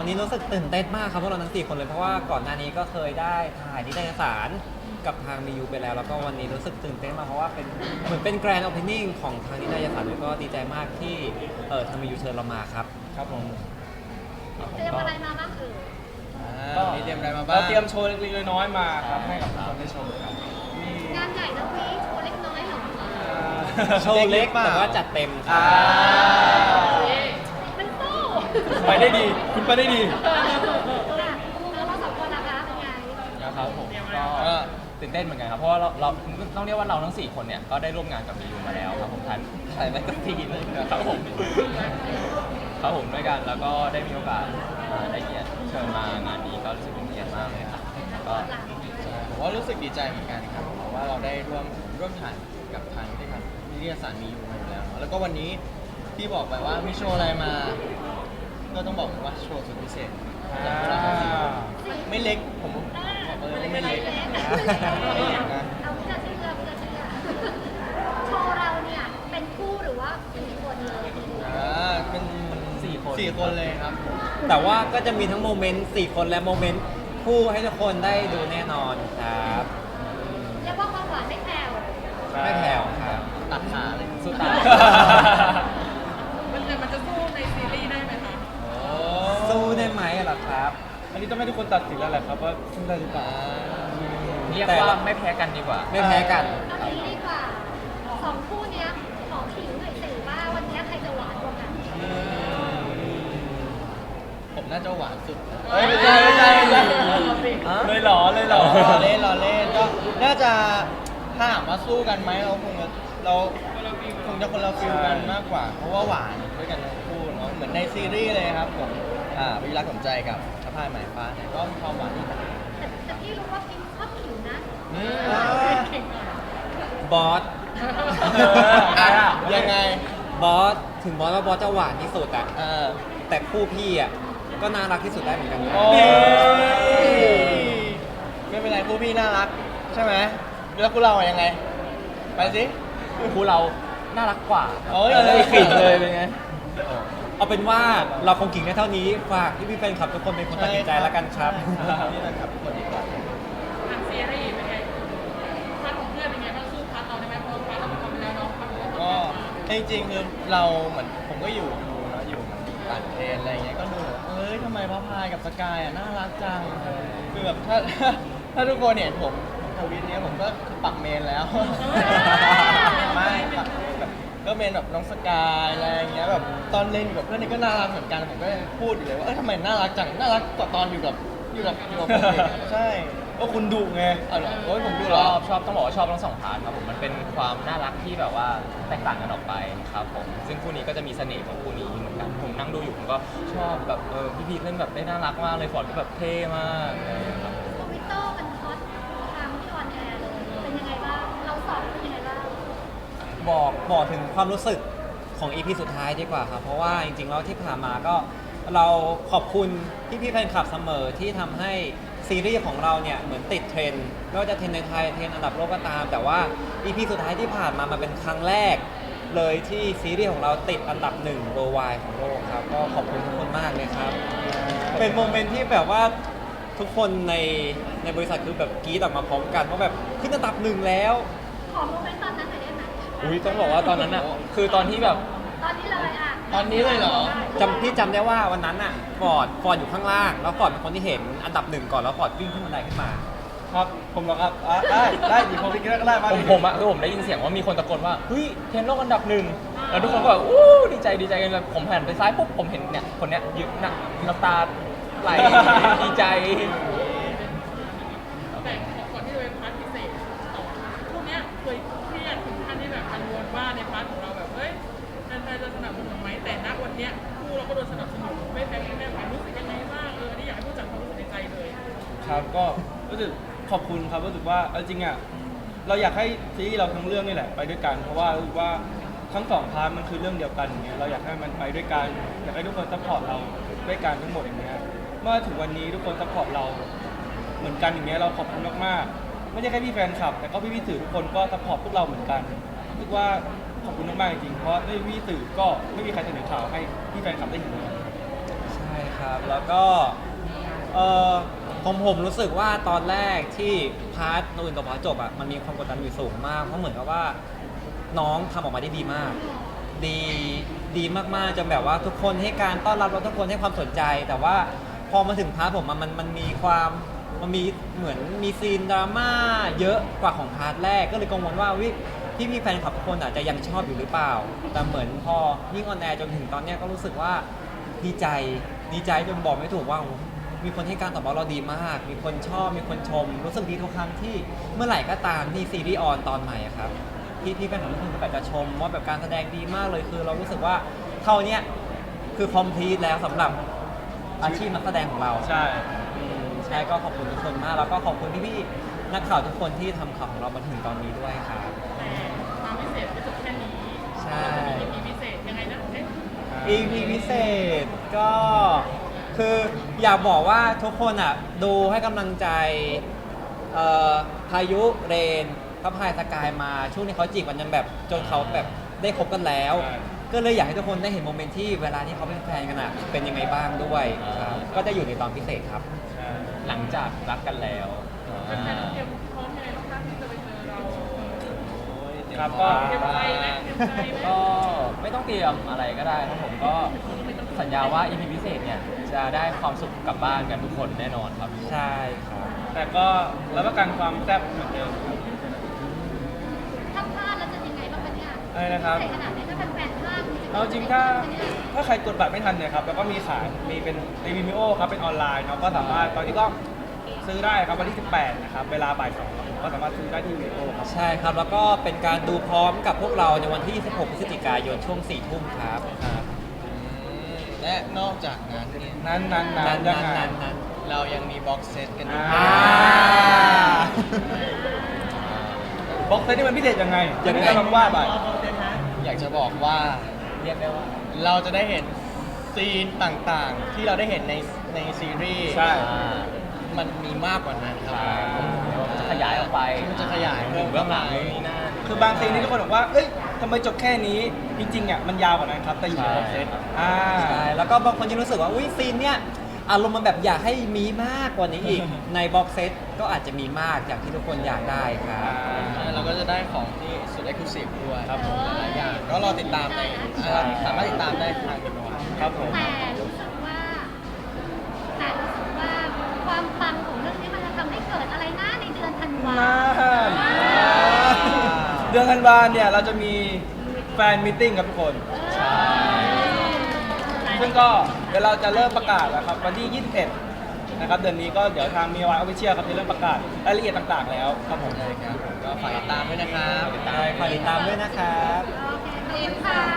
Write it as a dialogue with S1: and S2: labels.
S1: วันนี้รู้สึกตื่นเต้นมากครับพวกเราทั้ง4คนเลยเพราะว่าก่อนหน้านี้ก็เคยได้ถ่ายนิตยสารกับทางมียูไปแล้วแล้วก็วันนี้รู้สึกตื่นเต้นมากเพราะว่าเป็นเหมือนเป็นแกรนด์โอเพนนิ่งของทางนิตยสารแล้วก็ดีใจมากที่ทางมียูเชิญเรามาครับ
S2: ครับผม
S3: เตรียมอะไรมาบ้าง
S2: ก็มีเตรียมอะไรมาบ้างเราเตรียมโชว์เล็กๆน้อยๆมาครับให้กับทุกคนได้ชมครับ
S3: งานใหญ่นะพี่โชว์เล็กน้อยเหรอ
S1: โชว์เล็กแต่ว่าจัดเต็มครับ
S3: มันสู้
S2: ไปได้ดีคุณไปได้ดี
S3: แล้วเราสองคนนะคะเป็นไง
S4: ครับผมก็ตื่นเต้นเหมือนกันครับเพราะว่าเราต้องเรียกว่าเราทั้ง4คนเนี่ยก็ได้ร่วมงานกับมียูมาแล้วครับผมถ่ายมาตั้งทีนึงครับผมด้วยกันแล้วก็ได้มีโอกาสได้เกียรติเชิญมางานนี้ก็รู้สึกเป็นเกียรติมากเลยครับก็
S2: ผมว่ารู้สึกดีใจเหมือนกันครับเพราะว่าเราได้ร่วมถ่ายกับทางนิตยสารมียูมาอยู่แล้วเนาะแล้วก็วันนี้พี่บอกไปว่ามีโชว์อะไรมาก็ต้องบอกว่าโชว์สุดพิเศษไม่เล็กผมบอกเลยว่าไม่เล็กนะ
S3: เอาพิจารณาโชว์เราเนี่ยเป็นคู่หรือว่าเป็นคนเลย
S2: เป็น4 คนเลยครับ
S1: แต่ว่าก็จะมีทั้งโมเมนต์4คนและโมเมนต์คู่ให้ทุกคนได้ดูแน่นอนครับ
S3: เรียกว่าความหวานไม่แผ่ว
S1: ครับ
S2: ตัดขาเลย
S4: สู้ตาย
S5: มันจะสู้ในซีรีส์ได้ไหมคะ
S1: สู้ได้ไหมล่ะครับ
S2: อันนี้ต้องให้ทุกคนตัดสินแล้วแหละครับว่าสู้ได้หรือเปล่า
S4: เรียกว่าไม่แพ้กันดีกว่า
S1: ไม่แพ้กัน
S3: เอางี้ดีกว่า2คู่เนี้ยขอขิงหน่อยสิว่าวันนี้ใครจะหวานกว่ากัน
S2: ผมน่าจะหวานสุดไม่ใช่เลยหรอเล่นก็น่าจะถ้าถามว่าสู้กันไหมเราคงจะคนละฟิลกันมากกว่าเพราะว่าหวานด้วยกันทั้งคู่เนาะเหมือนในซีรีส์เลยครับผมวิรักสมใจกับสะพายหมายฟ้าเนี่ยก็มีความหวานอีก
S3: แต่พี่รู้ว่าพี่ชอบขิงนะ
S1: บอส
S2: ยังไง
S1: บอสถึงบอสว่าบอสจะหวานที่สุดอะแต่คู่พี่อะก็น่ารักที่สุดได้เหมือนกัน
S2: ไม่เป็นไรคู่พี่น่ารักใช่ไหมแล้วคู่เรายังไงไปสิ
S4: คู่เราน่ารักกว่า
S1: ขิงเลยเป็นไงเอาเป็นว่าเราคงกิ่งได้เท่านี้ฝากพี่แฟนคลับทุกคนเป็นคนตัดสินใจแล้วกันครับ
S2: นี่นะครับทุกคนดีกว่า
S5: ทางซีรีส์เป็นไงพาร์ทของเพื่อนเป็นไงบ้างสู้พาร์ทเราได้ไหมเพราะพาร์ทเราเป็นคนไปแล้วเนาะ
S2: ก็จริงๆคือเราเหมือนผมก็อยู่ต่างประเทศอะไรเงี้ยก็ดูทำไมพระพายกับสกายน่ารักจังคือแบบถ้าทุกคนเห็นผมทวิตเนี้ยผมก็ปักเมนแล้วไม่แบบก็เมนแบบน้องสกายอะไรเงี้ยแบบตอนเล่นอยู่กับเพื่อนนี่ก็น่ารักเหมือนกันผมก็พูดอยู่เลยว่าทำไมน่ารักจังน่ารักกว่าตอนอยู่กับใช่ก็คุณดุไงผมดุ
S4: ชอบต้องบอกว่าชอบทั้ง2 พาร์ทครับผมมันเป็นความน่ารักที่แบบว่าแตกต่างกันออกไปครับผมซึ่งคู่นี้ก็จะมีเสน่ห์ของคู่นี้เหมือนกันผมนั่งดูอยู่ผมก็ชอบแบบพี่พีเล่นแบบได้น่ารักมากเลยฟอร์ดก็แบบเท่มากครับ
S3: ทวิตเตอร์มันฮอตทางที่ออนแอร์เลยเป็นยังไงบ้างเราสอบเป็นยังไงบ้าง
S1: บอกถึงความรู้สึกของ EP สุดท้ายดีกว่าครับเพราะว่าจริงๆแล้วที่ผ่านมาก็เราขอบคุณพี่แฟนคลับเสมอที่ทำให้ซีรีส์ของเราเนี่ยเหมือนติดเทรนด์ไม่ว่าจะเทรนด์ในไทยเทรนด์อันดับโลกก็ตามแต่ว่า EP สุดท้ายที่ผ่านมามันเป็นครั้งแรกเลยที่ซีรีส์ของเราติดอันดับ1 worldwide ของโลกครับก็ขอบคุณทุกคนมากเลยครับเป็นโมเมนต์ที่แบบว่าทุกคนในบริษัทคือแบบกรี๊ดออกมาพร้อมกันว่าแบบขึ้นอันดับ1แล้ว
S3: ขอโมเมนต์ตอนนั้นหน่อยได้ไหม
S4: ต้องบอกว่าตอนนั้นอ่ะคือตอนที่แบบ
S3: ตอนนี้เลยอ่ะ
S2: ตอนนี้เลยเหรอ
S1: พี่จำได้ว่าวันนั้นอ่ะฟอร์ดอยู่ข้างล่างแล้วฟอร์ดเป็นคนที่เห็นอันดับ1ก่อนแล้วฟอร์ดวิ่งขึ้นบันไดขึ้นมา
S2: ครับผมเหรอครับได้ดีผมก็ได้มา
S4: ผมได้ยินเสียงว่ามีคนตะโกนว่าเฮ้ยเทรนด์โลกอันดับ1แล้วทุกคนก็แบบดีใจกันเลยผมหันไปซ้ายปุ๊บผมเห็นเนี่ยคนเนี้ยยืนน้ำตาไหลดีใจ
S5: แต่ก่อนที่จะเป็นพาร์ทพิเศษพวกเนี้ยเคยเครียดถึงขั้นที่แบบกังวลว่าในพาร์ทของเราแบบแฟนๆจะสนับสนุนไหมแต่ณวันเนี้ยคู่เราก็โดนสนับสนุนไม่แพ้แม่รู้สึกยังไงบ้างอันนี้อยากให้พูดจากความรู้สึกในใจเลย
S2: ครับก็รู้สึกขอบคุณครับรู้สึกว่าจริงอ่ะเราอยากให้ซีรีส์เราทั้งเรื่องนี่แหละไปด้วยกันเพราะว่ารู้ว่าทั้ง2 พาร์ทมันคือเรื่องเดียวกันอย่างเงี้ยเราอยากให้มันไปด้วยกันอยากให้ทุกคนซัพพอร์ตเราด้วยกันทั้งหมดอย่างเงี้ยเมื่อถึงวันนี้ทุกคนซัพพอร์ตเราเหมือนกันอย่างเงี้ยเราขอบคุณมากๆไม่ใช่แค่พี่แฟนคลับแต่ก็พี่สื่อทุกคนก็ซัพพอร์ตพวกเราเหมือนกันรู้สึกว่าขอบคุณมากๆจริงๆเพราะไม่มีพี่สื่อก็ไม่มีใครเสนอข่าวให้พี่แฟนคลับได้เห็นเลย
S1: ใช่ครับครับ แล้วก็เออผมรู้สึกว่าตอนแรกที่พาร์ทนูนกับพาร์ทจบอ่ะมันมีความกดดันอยู่สูงมากเพราะเหมือนกับว่าน้องทำออกมาได้ดีมาก ดีดีมากๆจนแบบว่าทุกคนให้การต้อนรับแล้วทุกคนให้ความสนใจ แต่ว่าพอมาถึงพาร์ทผมมันมีความมันมีเหมือนมีซีนดราม่าเยอะกว่าของพาร์ทแรกก็เลยกังวลว่าวิพี่แฟนคลับทุกคนอาจจะยังชอบอยู่หรือเปล่า แต่เหมือนพอยิ่งออนแอร์จนถึงตอนเนี้ยก็รู้สึกว่าดีใจจนบอกไม่ถูกว่าโอ้โหมีคนให้การตอบรับเราดีมาก มีคนชอบมีคนชม รู้สึกดีทุกครั้งที่เมื่อไหร่ก็ตามที่ซีรีส์ออนตอนใหม่อะครับพี่แฟนคลับทุกคนก็แบบจะชมว่าแบบการแสดงดีมากเลยคือเรารู้สึกว่าเท่าเนี้ยคือคอมพลีทแล้วสำหรับอาชีพนักแสดงของเรา
S2: ใช่
S1: ใช่ก็ขอบคุณทุกคนมาก แล้วก็ขอบคุณพี่ๆนักข่าวทุกคนที่ทำข่าวของเรามาถึงตอนนี้ด้วยครับ
S5: แต่ความพิเศษไม่จบแค่นี้
S1: ใช่
S5: จะมี EP พิเศษยังไงนะเอ๊ะ
S1: EP พิเศษก็คืออยากบอกว่าทุกคนอ่ะดูให้กำลังใจพายุเรนพระพายสกายมาช่วงนี้เขาจีบกันจนแบบจนเขาแบบได้คบกันแล้ว
S2: ใช่
S1: ก็เลยอยากให้ทุกคนได้เห็นโมเมนต์ที่เวลาที่เขาเป็นแฟนกันอ่ะเป็นยังไงบ้างด้วยครับก็จะอยู่ในตอนพิเศษครับ
S4: หลังจากรักกันแล้ว
S5: เป็นแฟนเตรียมพร้อมยังไงบ้างคะที่จะไปเจอเรา
S2: ครับก็
S5: เตรียมใจไหมเตรียมใจไหม
S4: ก็ไม่ต้องเตรียมอะไรก็ได้ครับผมก็สัญญาว่า EP พิเศษเนี่ยจะได้ความสุขกลับบ้านกันทุกคนแน่นอนครับ
S1: ใช่ครับ
S2: แต่ก็รับประกันความแซ่บเหมือนเดิมครับ
S3: ถ้าพลาดแล้วจะยังไงบ้างคะเนี่ย
S2: อะไรนะครับ
S3: พิเศษขนาดนี้ถ้าเป็นแฟนพลาดจริงๆ
S2: เอาจริงถ้าใครกดบัตรไม่ทันเนี่ยครับแล้วก็มีขายมีเป็นในวิมิโอครับเป็นออนไลน์เนาะก็สามารถตอนนี้ก็ซื้อได้ครับวันที่ 18 นะครับเวลาบ่าย 2ครับก็สามารถซื้อได้ที่วิมิโอครับ
S1: ใช่ครับ แล้วก็เป็นการดูพร้อมกับพวกเราในวันที่ 26 พฤศจิกายนช่วง 4 ทุ่มครับ
S6: และนอกจากนั้นเนี่ย
S2: นั้นยังไง
S6: เรายังมีบ็อกเซตกันด้วย
S2: อ่า บ็อกเซตนี่มันพิเศษยังไง
S1: ยังไง
S2: ก็ลองว่าไป
S6: อยากจะบอกว่า
S4: เรียกได้ว่า
S6: เราจะได้เห็นซีนต่างๆ ที่เราได้เห็นในซีรีส์
S2: ใช่
S6: มันมีมากกว่านั้นครับ
S4: ใช่จะขยายออกไป
S6: มันจะขยายเพิ่ม
S4: เบื้องหลังนู่นนี่นั่น
S2: คือบางซีนที่ทุกคนบอกว่าเอ้ยทำไมจบแค่นี้ จริงๆอ่ะมันยาวกว่านั้นครับ แต่อยู่ในบ็อกเซต
S4: ใช่
S1: ใช่ แล้วก็บางคนยังรู้สึกว่า อุ้ยซีนเนี้ยอารมณ์มันแบบอยากให้มีมากกว่านี้อีก ในบ็อกเซตก็อาจจะมีมากอย่างที่ทุกคนอยากได้ครับ
S6: เราก็จะได้ของที่สุดเอ็กซ์คลูซีฟด้วย
S2: ครับผม
S6: หลายอย่างก็รอติดตามใน
S1: ใช่
S6: สามารถติดตามได้ทางเดนวา
S2: ครับผม
S3: แต่รู้สึกว่าความปังของเรื่องนี้มันจะทำให้เกิดอะไรนะในเดือนธันวา
S2: เดือนธันวาเนี่ยเราจะมีแฟนมิทติ้งครับทุกคน ซึ่งก็เดี๋ยวเราจะเริ่มประกาศแล้วครับวันที่ 21 นะครับเดือนนี้ก็เดี๋ยวทางมีวายออฟฟิเชียลครับจะเริ่มประกาศรายละเอียดต่างๆแล้วครับผม
S6: ใช่ครับก็ฝากติดตามด้วยนะครับ
S1: ฝากติดตามด้วยนะครับ
S3: โอเคขอบคุณค่ะ